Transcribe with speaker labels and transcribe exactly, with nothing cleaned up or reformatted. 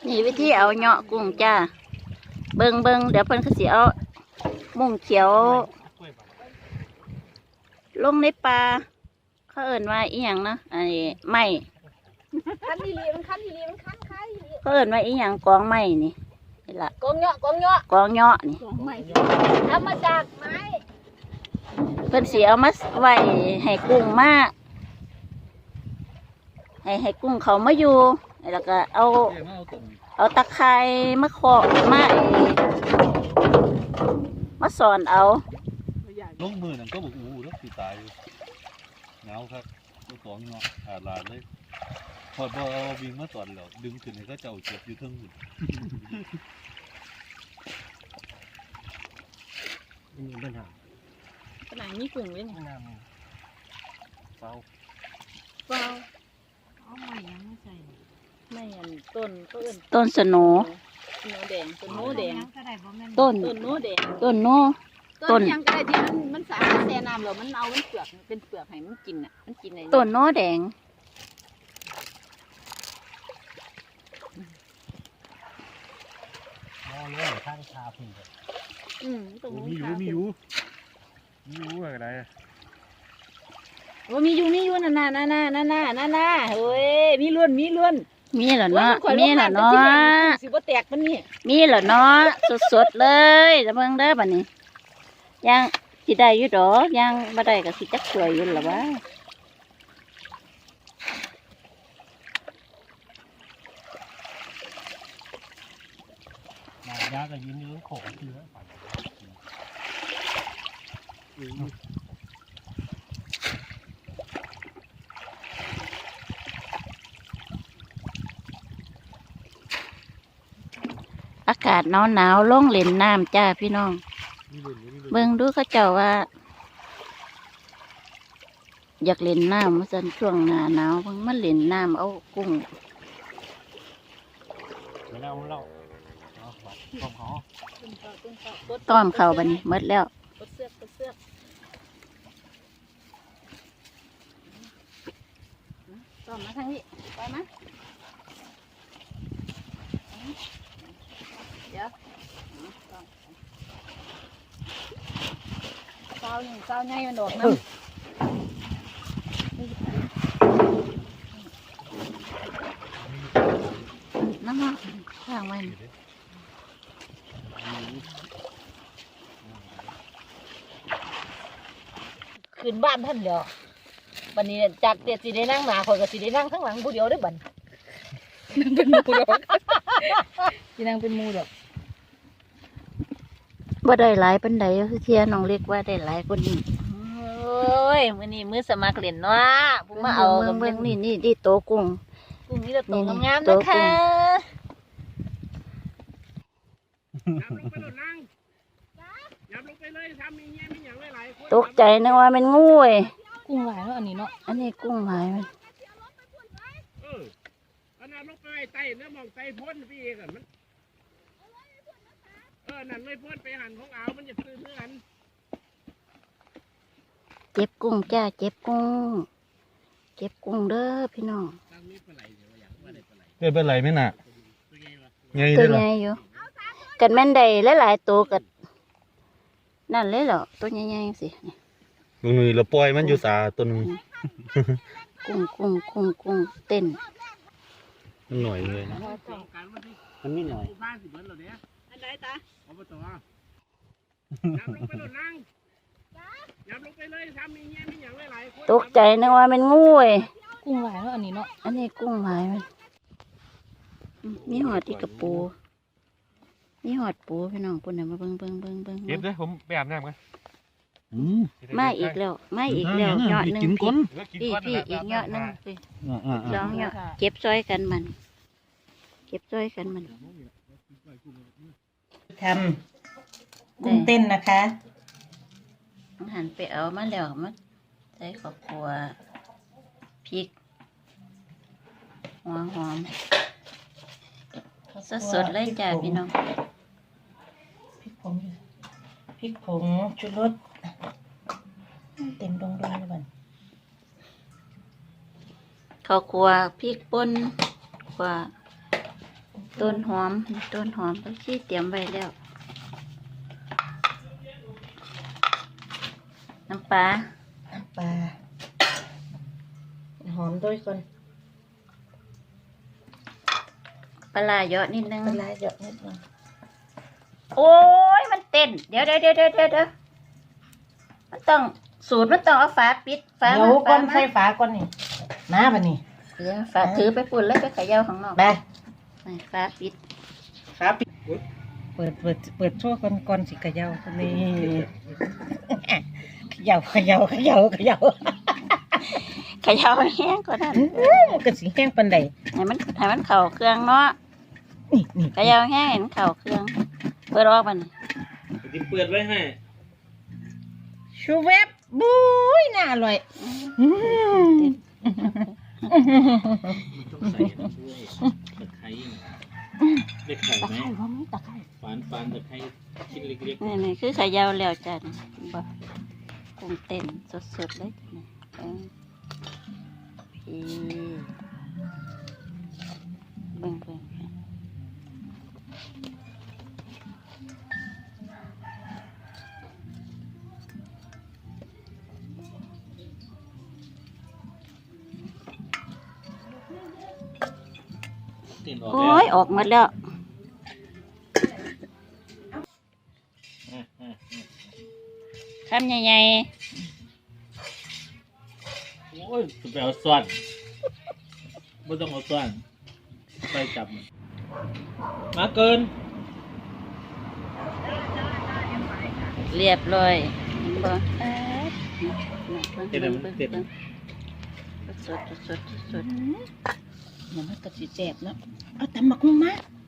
Speaker 1: นี่วิธีเอาเหาะกุ้งจ้าเบิงเบิงเดี๋ยวเพิ่นเขาสิเอามุ้งเขียวลงในปลาเขาเอิ่นว่าอีหยังนะไอ้ไม้คันทีรีมันคันทีรีมันคันใครเขาเอิ่นว่าอีหยังกองไม้นี่นี่ล่ะกองเหาะกองเหาะกองเหาะนี่กองไม้ทำมาจากไม้เพิ่นสิเอามาไว้ให้กุ้งมาให้ให้กุ้งเขามาอยู่แล้วก็เอาเอาตะไคร้มะขอมาไอ้มาสอนเอา
Speaker 2: ลงมือนั่นก็บอกอู้แล้วสิตายหนาวครับตัวสองเนาะอาดลาดเลยพอบ่เอาวิ่งมาสอนแล้วดึงขึ้นให้เขาเจ้าเจ็บอยู่เทิงหุ่น
Speaker 3: มีปัญหา
Speaker 1: ขนาดนี้กุ้งเลยนี่
Speaker 2: เฝ้า
Speaker 1: เฝ้า
Speaker 4: เอาใหม่ยังไม่ใส่
Speaker 1: ไม่อันต้นก็เอิ้น
Speaker 4: ต้นสโน
Speaker 1: สโนแดงต้นโนแดง
Speaker 4: ต้น
Speaker 1: ต้นโนแดง
Speaker 4: ต้นโน
Speaker 1: ต้นยังก็ได้ที่มันมันสามารถแช่น้ำแล้วมันเอามันเปลือกเป็นเปลือกให้มันกินอ่ะมันกินอะไร
Speaker 4: ต้นโนแดง
Speaker 3: มองเลยข้างชาพึ่ง
Speaker 1: อืมตรงนี้
Speaker 2: มีอยู่มีอยู่มีอยู่อะไร
Speaker 1: ว่ามีอยู่มีอยู่น่ะน่ะน่ะน่ะน่ะน่ะน่ะน่ะเฮ้ยมีล้วนมีล้วน
Speaker 4: มีเหรอเนาะมีเหรอเนาะ
Speaker 1: สิบ่แตกมันนี่
Speaker 4: มีเหรอเนาะสดๆเลยแล้วเบิ่งเด้อบัดนี้ยังสิได้อยู่ดอกยังบ่ได้ก็สิจักสวยอยู่ล่ะวะ
Speaker 3: มายาก็ยืนยืนโขกเชื้อ
Speaker 4: อากาศหนาวหนาวลงเล่นน้ำจ้าพี่น้องเบิ่งดูเขาเจ้าว่าอยากเล่นน้ำเมื่อสันช่วงหน้าหนาวเบิ่งมันเล่นน้ำเอากุ้ง
Speaker 3: ไม่เล่าไม่เล่าต้มเขา
Speaker 4: ต้อมเขาบัดนี้หมดแล้ว
Speaker 1: เสือกเสือกต้อมมาทางนี้ไปมั้ยเดี๋ยวเศร้าหนึ่งเศร้าไงมันโดดน้ำ
Speaker 4: น้ำมันข้างมัน
Speaker 1: ขึ้นบ้านท่านเดียววันนี้จากเด็ดสีได้นั่งหนาคอยกับสีได้นั่งข้างหลังผู้เดียวได้บันนั่งเป็นมูดอกสีนั่งเป็นมูดอก
Speaker 4: ว่าได้หลายปันใดคือเทียน้องเล็กว่าได้หลายคนนี้
Speaker 1: โอ้ยมือนี้มือสมัครเล่นเนาะผมมาเอา
Speaker 4: เมืองนี่นี่ที่โตกุ้ง
Speaker 1: กุ้งนี่เราตัวงามนะคะ
Speaker 4: ตกใจนึกว่าเป็นงูเอ้
Speaker 1: กุ้งหลายแล้วอันนี้เนาะ
Speaker 4: อันนี้กุ้งหายมัน
Speaker 3: เอออันนั้นลงไปไต่เนื้อมองไต่พ้นพี่เองมันเออนั่นเลยพ้นไปหันของเอามันจะซื้อเพื่อน
Speaker 4: เจ็บกุ้งจ้าเจ็บกุ้งเจ็บกุ้งเด้อพี่น้อง
Speaker 2: เเป็นไรไหมน่ะ
Speaker 4: ตัวใหญ่อยู่กันแม่นใดหลายๆตัวกันนั่นเลยเหรอตัวใหญ่ๆสิ
Speaker 2: มือเราปล่อยมันอยู่สาตัวนึง
Speaker 4: กุ้งกุ้งกุ้งกุ้งเต้น
Speaker 2: มันหน่อยเลยนะมันไม่หน่อย
Speaker 3: อันไหนตาเอาไปต่อยับลงไปหล่นนั่งยับลงไปเลยทำมีเงี้ยมีอย่างหลายคน
Speaker 4: ตกใจนึกว่าเป็นงูเอ้
Speaker 1: กุ้งหลายแล้วอันนี้เนาะ
Speaker 4: อันนี้กุ้งหายมันมีหอดที่กระปูมีหอดปูพี่น้องปุ่นเนี่ยมาเบิ้งเบิ้งเบิ้งเบิ้ง
Speaker 2: เก็บเลยผมไปอาบน้ำกัน
Speaker 4: มาอีกแล้วมาอีกแล้วเหยาะหนึ่งพี่พี่อีกเหยาะหนึ่งพี่สองเหยาะเก็บซอยกันมันเก็บซอยกันมัน
Speaker 1: ทำกุ้งเต้นนะคะ
Speaker 4: หันไปเอามาแล้วมาใส่ข้าวคั่วพริกหัวหอมสดสดเลยจ้าพี่น้อง
Speaker 1: พริกผงพริกผงชูรสเต็มดงดงเลยบัน
Speaker 4: ข้าวคั่วพริกป่นคั่วต้นหอมต้นหอมผักชีเตรียมไว้แล้ว น้ำปลา
Speaker 1: น้ำปลาหอมด้วยก่อน
Speaker 4: ปลาร้าเยอะนิดนึง
Speaker 1: ปลาร้าเยอะนิดนึง
Speaker 4: โอ้ยมันเต้นเดี๋ยวเดี๋ยวเดี๋ยวเดี๋ยวเดี๋ยวมันต้องสูตรมันต้องเอาฝาปิดฝา
Speaker 1: เดี๋ยวก่อน
Speaker 4: มา
Speaker 1: ใส่ฝาก่อนนี่มาบัดนี้
Speaker 4: เดี๋ยวฝาถือไปปุ่นแล้วไปเขย่าข้างนอก
Speaker 1: ไป
Speaker 4: นี่ฝาปิด
Speaker 1: ฝาปิดเปิดเปิดเปิดโซ่ก่อนก่อนสิเขย่านี่เขย่าเขย่าเขย่าเขย่า
Speaker 4: เขย่าให้แห้งก็ได้
Speaker 1: มันก็สิแห้งปานใด
Speaker 4: ให้มันให้มันเข่าเครื่องเนาะ
Speaker 1: นี่นี่
Speaker 4: เขย่าแห้งให้มันเข่าเครื่องเปิดออกมัน
Speaker 3: ที่เปิดไว้ให้
Speaker 1: ชูเวบบุ้ยน่าอร่อยอืม
Speaker 3: ต้องใส่ด้วยตะไคร้ได้ไข่
Speaker 1: ตะ
Speaker 3: ไหม
Speaker 1: ไคร้ว่ามีตะไคร้
Speaker 3: ฝานฝานตะไคร้ชิ้นเล็ก
Speaker 4: นี่นี่คือเขย่าแล้วจ้ะบ่กุ้งเต้นสดๆเลยนี่เออพี่เบิ่งเบิ่ง
Speaker 3: ๆติดออก
Speaker 4: โอ้
Speaker 3: แล้ว
Speaker 4: ยออกหมดแล้ว คำใหญ่
Speaker 3: โอ้ยจะไปเอาส่วนไม่ต้องเอาส่วนไปจับมันมาเกิน
Speaker 4: ๆเรียบร้อยเห็นบ่เอ๊ะ
Speaker 3: เต็มมันเต็ม
Speaker 4: สดสดสดสด
Speaker 1: เดี๋ยวมันก็สิแซ่บเนาะเอาตำบักหุ่งมา